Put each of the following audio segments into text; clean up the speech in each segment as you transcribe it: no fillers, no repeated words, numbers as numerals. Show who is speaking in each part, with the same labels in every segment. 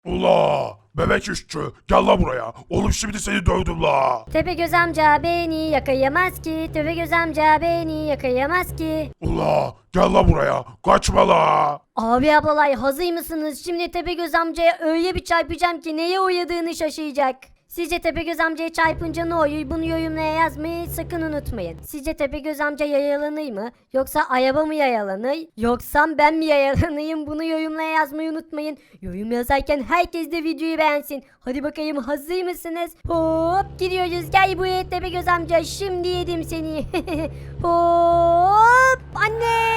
Speaker 1: Ula bebek işçi gel la buraya. Oğlum şimdi seni dövdüm la.
Speaker 2: Tepegöz amca beni yakayamaz ki. Tepegöz amca beni yakayamaz ki.
Speaker 1: Ula gel la buraya. Kaçma la.
Speaker 2: Abi ablalay hazır mısınız? Şimdi Tepegöz amcaya öyle bir çarpacağım ki neye uğradığını şaşıracak. Sizce Tepegöz amcaya çarpınca ne oluyor? Bunu yorumlara yazmayı sakın unutmayın. Sizce Tepegöz amca yayalanır mı? Yoksa araba mı yayalanır? Yoksa ben mi yayalanayım? Bunu yorumlara yazmayı unutmayın. Yorum yazarken herkes de videoyu beğensin. Hadi bakayım hazır mısınız? Hop gidiyoruz. Gel buraya Tepegöz amca. Şimdi yedim seni. Hop anne.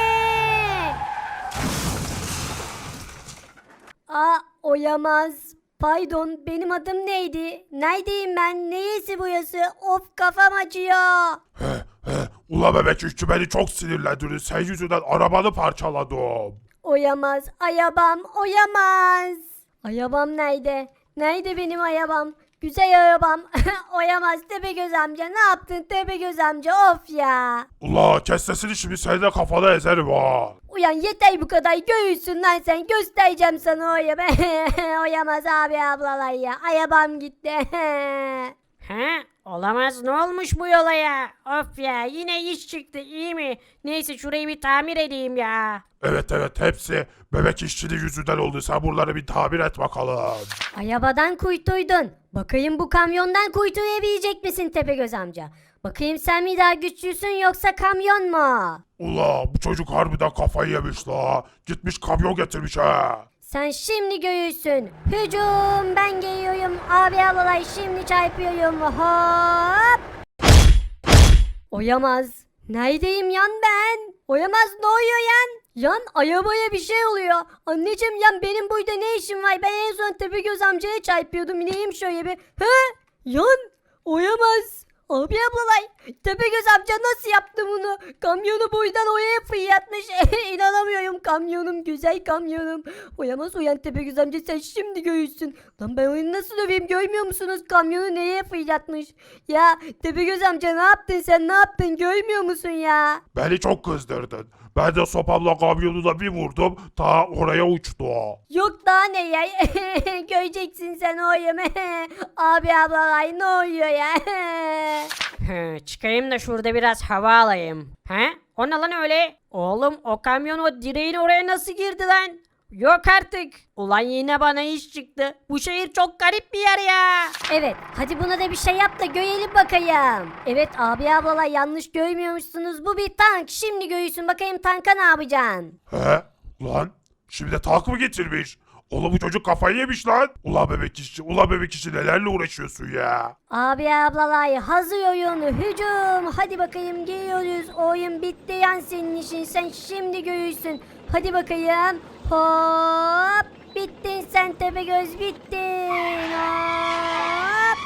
Speaker 2: Aa oyamaz. Pardon benim adım neydi? Neredeyim ben? Neyesi burası? Of kafam acıyor.
Speaker 1: Ula bebek işçi beni çok sinirlendirdin. Sen yüzünden arabanı parçaladım.
Speaker 2: Oyamaz. Ayabam. Oyamaz. Ayabam nerede? Nerede benim ayabam? Güzel arabam. Oyamaz Tepegöz amca. Ne yaptın Tepegöz amca? Of ya.
Speaker 1: Ula kes sesini şimdi seni de kafana ezerim ha.
Speaker 2: Uyan yeter bu kadar. Göğüsün lan sen. Göstereceğim sana oyamı. Oyamaz abi ablalar ya. Ayabam gitti.
Speaker 3: He? Olamaz, ne olmuş bu yola ya? Of ya, yine iş çıktı, iyi mi? Neyse şurayı bir tamir edeyim ya.
Speaker 1: Evet hepsi bebek işçinin yüzünden oldu. Sen buraları bir tabir et bakalım.
Speaker 2: Ayabadan kuytuydun. Bakayım bu kamyondan kuytuyabilecek misin Tepegöz amca? Bakayım sen mi daha güçlüsün yoksa kamyon mu?
Speaker 1: Ula bu çocuk harbiden kafayı yemiş la. Gitmiş kamyon getirmiş ha.
Speaker 2: Sen şimdi göğüsün. Hücum ben geliyorum. Abi ablalar şimdi çarpıyorum. Hop. Oyamaz. Neredeyim yan ben? Oyamaz ne oluyor yan? Yan arabaya bir şey oluyor. Anneciğim yan benim burada ne işim var? Ben en son Tepegöz amcaya çarpıyordum. İneyim şöyle bir. He? Yan oyamaz. Abi ablalay Tepegöz amca nasıl yaptı bunu? Kamyonu boydan oraya fırlatmış. İnanamıyorum kamyonum güzel kamyonum. Oyamaz uyan Tepegöz amca sen şimdi göğüsün. Lan ben oyunu nasıl döveyim görmüyor musunuz? Kamyonu neye fırlatmış? Ya Tepegöz amca ne yaptın sen ne yaptın görmüyor musun ya?
Speaker 1: Beni çok kızdırdın. Ben de sopamla kamyonuna bir vurdum. Ta oraya uçtu o.
Speaker 2: Yok daha ne ya? Göreceksin sen o oyunu. Abi ablalay ne oluyor ya?
Speaker 3: Çıkayım da şurada biraz hava alayım. He? O ne lan öyle? Oğlum o kamyon o direğin oraya nasıl girdi lan? Yok artık. Ulan yine bana iş çıktı. Bu şehir çok garip bir yer ya.
Speaker 2: Evet, hadi buna da bir şey yap da görelim bakayım. Evet abi ablalar yanlış görmüyormuşsunuz. Bu bir tank. Şimdi göğüsün bakayım tanka ne yapacaksın?
Speaker 1: He? Lan şimdi de tank mı getirmiş? Oğlum bu çocuk kafayı yemiş lan. Ula bebek işçi nelerle uğraşıyorsun ya?
Speaker 2: Abi ablalar hazır oyun hücum. Hadi bakayım geliyoruz. Oyun bitti yan senin işin. Sen şimdi göğüsün. Hadi bakayım. Hop. Bittin sen Tepegöz bittin. Hop.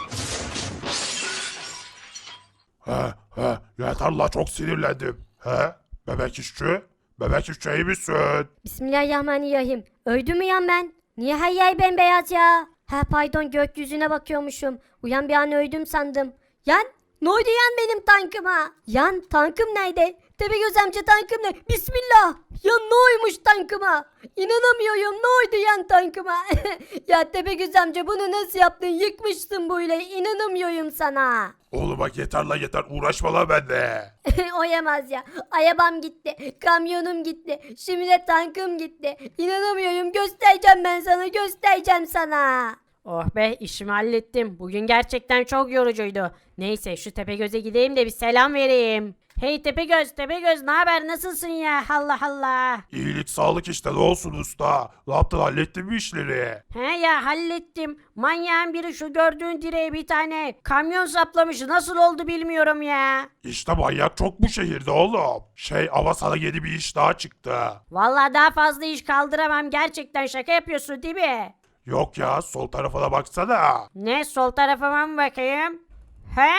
Speaker 1: He yeter la çok sinirlendim. He? Bebek işçi? Bebek işçi iyi misin?
Speaker 2: Bismillahirrahmanirrahim. Öldüm mü yan ben? Niye her yer bembeyaz ya? Ha pardon gökyüzüne bakıyormuşum. Uyan bir an öldüm sandım. Yan ne oldu yan benim tankıma? Yan tankım nerede? Tepegöz amca tankım ne? Bismillah. Yan ne olmuş tankıma? İnanamıyorum ne oldu yan tankıma? Ya Tepegöz amca bunu nasıl yaptın? Yıkmışsın böyle. İnanamıyorum sana.
Speaker 1: Oğlum bak yeter la yeter uğraşma la bende.
Speaker 2: Oyamaz ya. Arabam gitti. Kamyonum gitti. Şimdi de tankım gitti. İnanamıyorum. Göstereceğim ben sana. Göstereceğim sana.
Speaker 3: Oh be, işimi hallettim. Bugün gerçekten çok yorucuydu. Neyse şu Tepegöz'e gideyim de bir selam vereyim. Hey Tepegöz, Tepegöz ne haber, nasılsın ya? Allah Allah.
Speaker 1: İyilik sağlık işte ne olsun usta. Ne yaptın hallettin mi işleri?
Speaker 3: He ya, hallettim. Manyağın biri şu gördüğün direğe bir tane kamyon saplamış. Nasıl oldu bilmiyorum ya.
Speaker 1: İşte manyak çok bu şehirde oğlum. Ama sana yeni bir iş daha çıktı.
Speaker 3: Vallahi daha fazla iş kaldıramam. Gerçekten şaka yapıyorsun değil mi?
Speaker 1: Yok ya sol tarafına baksana.
Speaker 3: Ne, sol tarafıma mı bakayım? He?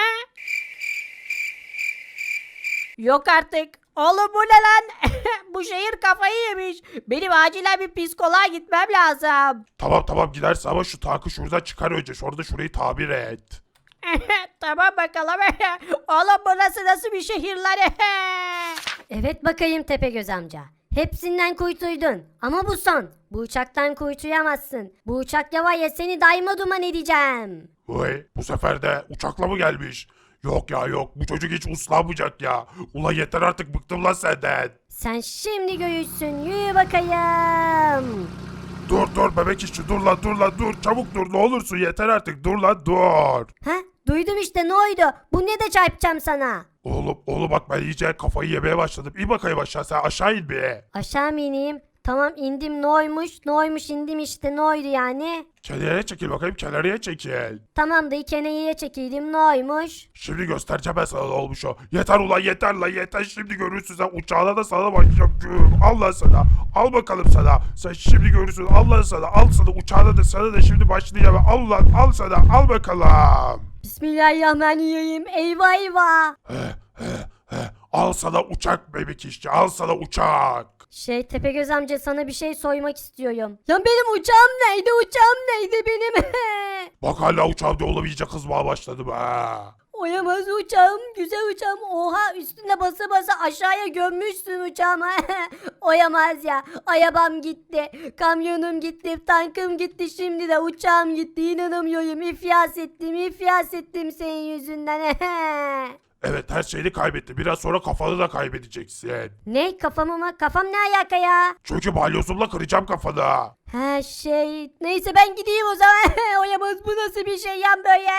Speaker 3: Yok artık. Oğlum bu ne lan? Bu şehir kafayı yemiş. Benim acilen bir psikoloğa gitmem lazım.
Speaker 1: Tamam gidersin ama şu tankı şuradan çıkar önce. Şurayı tabir et.
Speaker 3: Tamam bakalım. Oğlum burası nasıl bir şehir lan?
Speaker 2: Evet bakayım Tepegöz amca. Hepsinden kuytuydun. Ama bu son. Bu uçaktan kuytuyamazsın. Bu uçak ya var ya seni daima duman edeceğim.
Speaker 1: Vay, bu sefer de uçakla mı gelmiş? Yok ya yok, bu çocuk hiç uslanmayacak ya. Ula yeter artık, bıktım lan senden.
Speaker 2: Sen şimdi göğüsün. Yürü bakayım.
Speaker 1: Dur bebek işçi, dur lan dur, çabuk dur, ne olursun yeter artık, dur lan dur.
Speaker 2: Ha? Duydum işte ne oldu? Bu ne de çarpacağım sana.
Speaker 1: Oğlum bak, ben iyice kafayı yemeye başladım. İn bakayım aşağı, sen aşağı in bir.
Speaker 2: Aşağı mı ineyim? Tamam indim ne oymuş? Ne oymuş indim işte ne oydu yani?
Speaker 1: Kenarıya çekil bakayım, kenarıya çekil.
Speaker 2: Tamam da keneye çekildim ne oymuş?
Speaker 1: Şimdi göstereceğim ben sana ne olmuş o. Yeter ulan, yeter lan, yeter, şimdi görürsün sen, uçağına da sana başlayacağım. Güm, al lan sana, al bakalım sana. Sen şimdi görürsün, al lan sana, al sana, uçağına da sana da şimdi başlayacağım. Al lan, al sana, al bakalım.
Speaker 2: Bismillahirrahmanirrahim. Eyvah eyvah.
Speaker 1: Al sana uçak bebek işçi, al sana uçak.
Speaker 2: Tepegöz amca sana bir şey sormak istiyorum. Ya benim uçağım neydi? Uçağım neydi benim?
Speaker 1: Bak hala uçağım diye, oğlum iyice kızmaya başladım ha.
Speaker 2: Oyamaz uçağım, güzel uçağım. Oha üstüne basa basa aşağıya gömmüşsün uçağımı. Oyamaz ya. Arabam gitti, kamyonum gitti, tankım gitti, şimdi de uçağım gitti. İnanamıyorum. İflas ettim senin yüzünden.
Speaker 1: Evet, her şeyini kaybetti. Biraz sonra kafanı da kaybedeceksin.
Speaker 2: Ne kafamı mı? Kafam ne alaka ya?
Speaker 1: Çünkü balyozumla kıracağım kafanı.
Speaker 2: Ha neyse ben gideyim o zaman. Oyamaz bu nasıl bir şey yan böyle.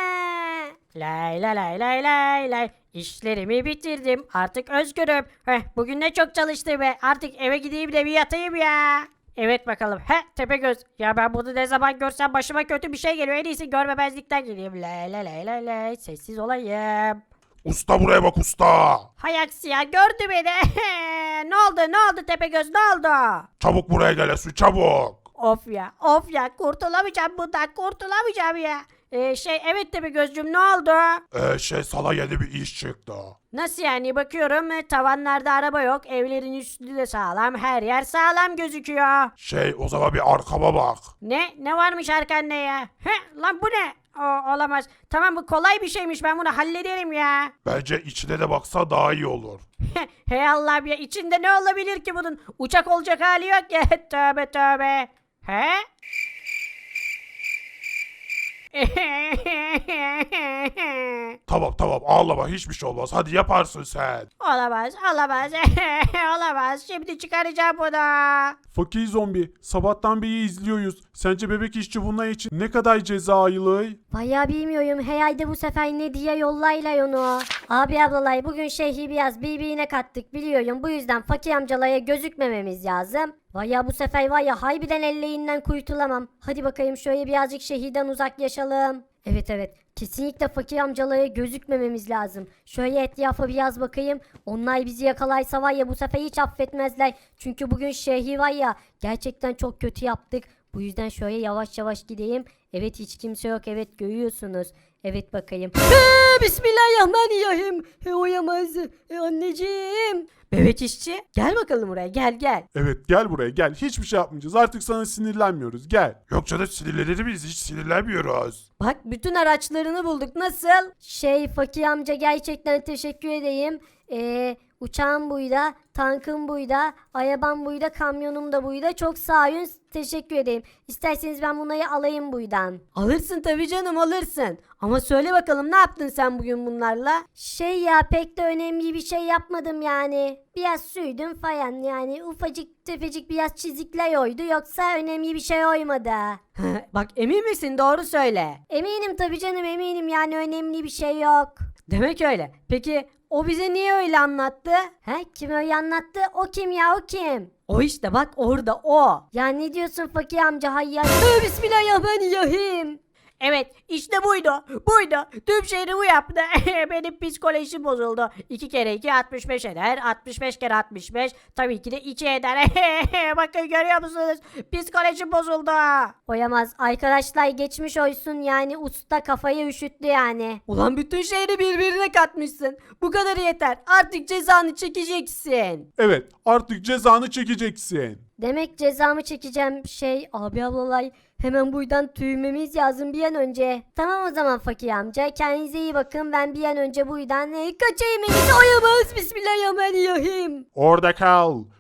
Speaker 3: Lay lay lay lay lay lay. İşlerimi bitirdim. Artık özgürüm. Bugün ne çok çalıştım be. Artık eve gideyim de bir yatayım ya. Evet bakalım. Tepegöz. Ya ben bunu ne zaman görsem başıma kötü bir şey geliyor. En iyisi görmemezlikten geleyim. Lay lay lay lay lay. Sessiz olayım.
Speaker 1: Usta buraya bak usta.
Speaker 3: Hay aksi ya, gördü beni. Ne oldu Tepegöz, ne oldu?
Speaker 1: Çabuk buraya gel Esu, çabuk.
Speaker 3: Of ya kurtulamayacağım bundan, kurtulamayacağım ya. Evet Tepegözcüm, ne oldu?
Speaker 1: Sana yeni bir iş çıktı.
Speaker 3: Nasıl yani, bakıyorum tavanlarda araba yok, evlerin üstü de sağlam, her yer sağlam gözüküyor.
Speaker 1: O zaman bir arkama bak.
Speaker 3: Ne varmış arkanda ya? Lan bu ne? Olamaz. Tamam, bu kolay bir şeymiş, ben bunu hallederim ya.
Speaker 1: Bence içine de baksa daha iyi olur.
Speaker 3: Hey Allah'ım ya, içinde ne olabilir ki bunun? Uçak olacak hali yok ya. Tövbe tövbe. He?
Speaker 1: Tamam ağlama, hiçbir şey olmaz, hadi yaparsın sen.
Speaker 3: Olamaz. Olamaz. Şimdi çıkaracağım bunu.
Speaker 4: Fakir zombi, sabahtan beri izliyoruz. Sence bebek işçi bunlar için ne kadar ceza aylığı?
Speaker 2: Bayağı bilmiyorum. Herhalde bu sefer ne diye yollayla onu. Abi ablalay bugün şehri biraz birbirine kattık biliyorum. Bu yüzden fakir amcalara gözükmememiz lazım. Vaya bu sefer var ya harbiden elleğinden kurtulamam. Hadi bakayım şöyle birazcık şehirden uzaklaşalım. Evet kesinlikle fakir amcalara gözükmememiz lazım. Şöyle etrafa biraz bakayım. Onlar bizi yakalaysa var ya bu sefer hiç affetmezler. Çünkü bugün şehri var ya gerçekten çok kötü yaptık. Bu yüzden şöyle yavaş yavaş gideyim. Evet hiç kimse yok, evet görüyorsunuz. Evet bakayım. Bismillahirrahmanirrahim. Oyamaz. Anneciğim.
Speaker 3: Bebek işçi, gel bakalım buraya, gel.
Speaker 4: Evet gel buraya gel. Hiçbir şey yapmayacağız. Artık sana sinirlenmiyoruz. Gel.
Speaker 1: Yok canım, sinirlenir miyiz, hiç sinirlenmiyoruz.
Speaker 2: Bak bütün araçlarını bulduk. Nasıl? Fakir amca gerçekten teşekkür edeyim. Uçağım buyda, tankım buyda, arabam buyda, kamyonum da buyda. Çok sağ olun. Teşekkür edeyim. İsterseniz ben bunları alayım buydan.
Speaker 3: Alırsın tabii canım, alırsın. Ama söyle bakalım, ne yaptın sen bugün bunlarla?
Speaker 2: Ya pek de önemli bir şey yapmadım yani. Biraz sürdüm falan yani. Ufacık tefecik biraz çizikler oydu. Yoksa önemli bir şey oymadı.
Speaker 3: Bak, emin misin, doğru söyle.
Speaker 2: Eminim tabii canım eminim yani önemli bir şey yok.
Speaker 3: Demek öyle. Peki o bize niye öyle anlattı?
Speaker 2: Kim öyle anlattı? O kim ya o kim?
Speaker 3: O işte bak, orada o.
Speaker 2: Ya ne diyorsun fakir amca hayyar? Bismillahirrahmanirrahim.
Speaker 3: Evet, işte buydu. Tüm şehri bu yaptı. Benim psikolojim bozuldu. 2 kere 2 65 eder. 65 kere 65 tabii ki de 2 eder. Bakın, görüyor musunuz? Psikolojim bozuldu.
Speaker 2: Oyamaz. Arkadaşlar geçmiş olsun yani usta kafayı üşüttü yani.
Speaker 3: Ulan bütün şehri birbirine katmışsın. Bu kadar yeter. Artık cezanı çekeceksin.
Speaker 4: Evet artık cezanı çekeceksin.
Speaker 2: Demek cezamı çekeceğim abi ablalay hemen buradan tüymemiz lazım bir an önce. Tamam o zaman fakir amca kendinize iyi bakın ben bir an önce buradan kaçayım en iyisi. Oyamaz. Bismillahirrahmanirrahim.
Speaker 4: Orada kal.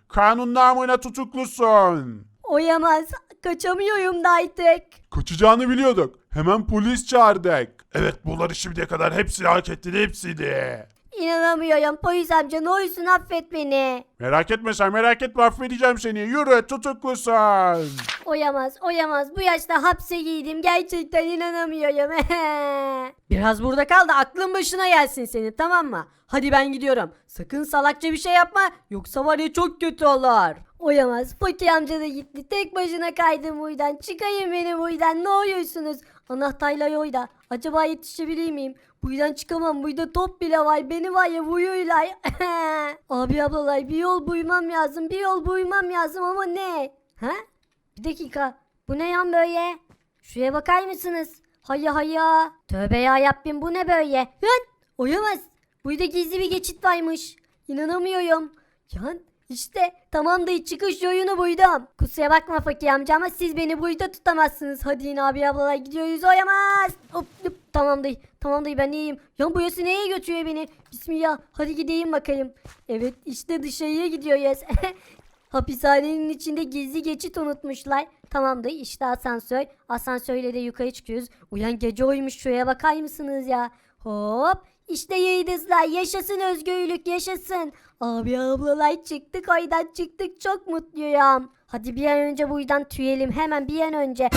Speaker 4: Kanun namına tutuklusun.
Speaker 2: Oyamaz. Kaçamıyorum da artık.
Speaker 4: Kaçacağını biliyorduk. Hemen polis çağırdık.
Speaker 1: Evet bunları şimdiye kadar hepsini hak ettin hepsini.
Speaker 2: İnanamıyorum. Polis amca ne olursun affet beni.
Speaker 4: Merak etme sen, merak etme, affedeceğim seni. Yürü, tutuklusun.
Speaker 2: Oyamaz. Bu yaşta hapse girdim. Gerçekten inanamıyorum.
Speaker 3: Biraz burada kal da aklın başına gelsin senin, tamam mı? Hadi ben gidiyorum. Sakın salakça bir şey yapma yoksa var ya çok kötü olur.
Speaker 2: Oyamaz. Fakir amca da gitti. Tek başına kaydım buradan. Çıkayım beni buradan. Ne oluyorsunuz? Anahtarla oyda. Acaba yetişebilir miyim? Buradan çıkamam. Burada top bile var. Beni var ya vuruyorlar. Abi ablalar bir yol bulmam lazım. Bir yol bulmam lazım ama ne? Ha? Bir dakika. Bu ne yan böyle? Şuraya bakar mısınız? Hayya. Tövbe ya Rabbim bu ne böyle? Lan! Oyamaz. Burada gizli bir geçit varmış. İnanamıyorum. Yan işte tamamdır çıkış yolunu buydum. Kusura bakma fakir amca ama siz beni burada tutamazsınız. Hadi yine abi ablalar gidiyoruz oyamaz. Hop, tamamdır ben iyiyim. Yan burası nereye götürüyor beni? Bismillah hadi gideyim bakayım. Evet işte dışarıya gidiyoruz. Hapishanenin içinde gizli geçit unutmuşlar. Tamamdır işte asansör. Asansörle de yukarı çıkıyoruz. Uyan gece oymuş şuraya bakar mısınız ya? Hop işte yıldızlar yaşasın özgürlük yaşasın. Abi ablalar çıktık oydan çıktık çok mutluyum. Hadi bir an önce buradan tüyelim hemen bir an önce.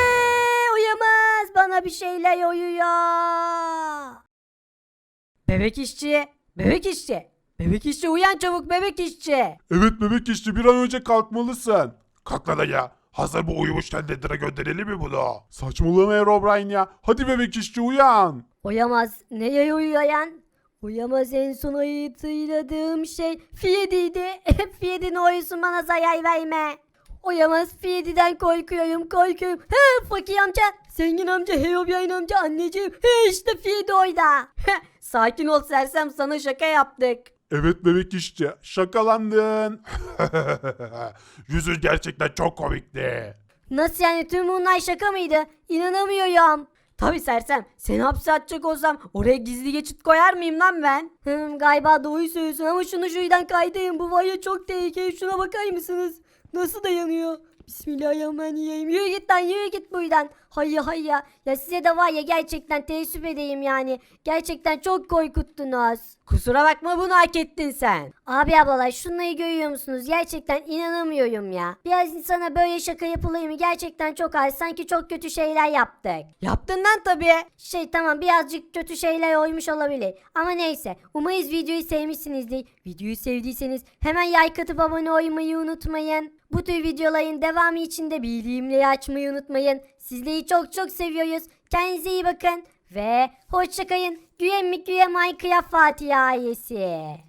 Speaker 2: Uyamaz bana bir şeyler uyuyor.
Speaker 3: Bebek işçi, bebek işçi. Bebek işçi uyan çabuk bebek işçi.
Speaker 4: Evet bebek işçi, bir an önce kalkmalısın.
Speaker 1: Kalk lan ya. Hazır bu uyumuşken Nether'a gönderelim mi bunu?
Speaker 4: Saçmalama Herobrine ya. Hadi bebek işçi uyan.
Speaker 2: Uyamaz neye uyuyor yan? Uyamaz en son hatırladığım şey Fiyedi'ydi. Fiyedi'nin oyusun bana zarar verme. Uyamaz Fiyedi'den korkuyorum. He fakir amca, zengin amca, Herobrine amca, anneciğim. He işte Fiyedi oyda.
Speaker 3: Sakin ol sersem sana şaka yaptık.
Speaker 4: Evet bebek işçi, şakalandın.
Speaker 1: Yüzün gerçekten çok komikti.
Speaker 2: Nasıl yani tüm bunlar şaka mıydı? İnanamıyorum.
Speaker 3: Tabi sersem seni hapse atacak olsam oraya gizli geçit koyar mıyım lan ben?
Speaker 2: Galiba doğru söylüyorsun ama şunu şuradan kaydayım. Bu var ya çok tehlikeli. Şuna bakar mısınız? Nasıl dayanıyor? Bismillahirrahmanirrahim. Yürü git lan yürü git buradan. Hayya. Ya size de var ya gerçekten teessüf edeyim yani. Gerçekten çok korkuttunuz.
Speaker 3: Kusura bakma bunu hak ettin sen.
Speaker 2: Abi ablalar şunları görüyor musunuz? Gerçekten inanamıyorum ya. Biraz insana böyle şaka yapılır mı? Gerçekten çok az. Sanki çok kötü şeyler yaptık.
Speaker 3: Yaptın lan tabii.
Speaker 2: Tamam birazcık kötü şeyler oymuş olabilir. Ama neyse. Umarız videoyu sevmişsinizdir. Videoyu sevdiyseniz hemen like atıp abone olmayı unutmayın. Bu tür videoların devamı için de bildirimleri açmayı unutmayın. Sizleri çok seviyoruz. Kendinize iyi bakın. Ve hoşçakalın. Güven mi güven Minecraft Fatih ailesi.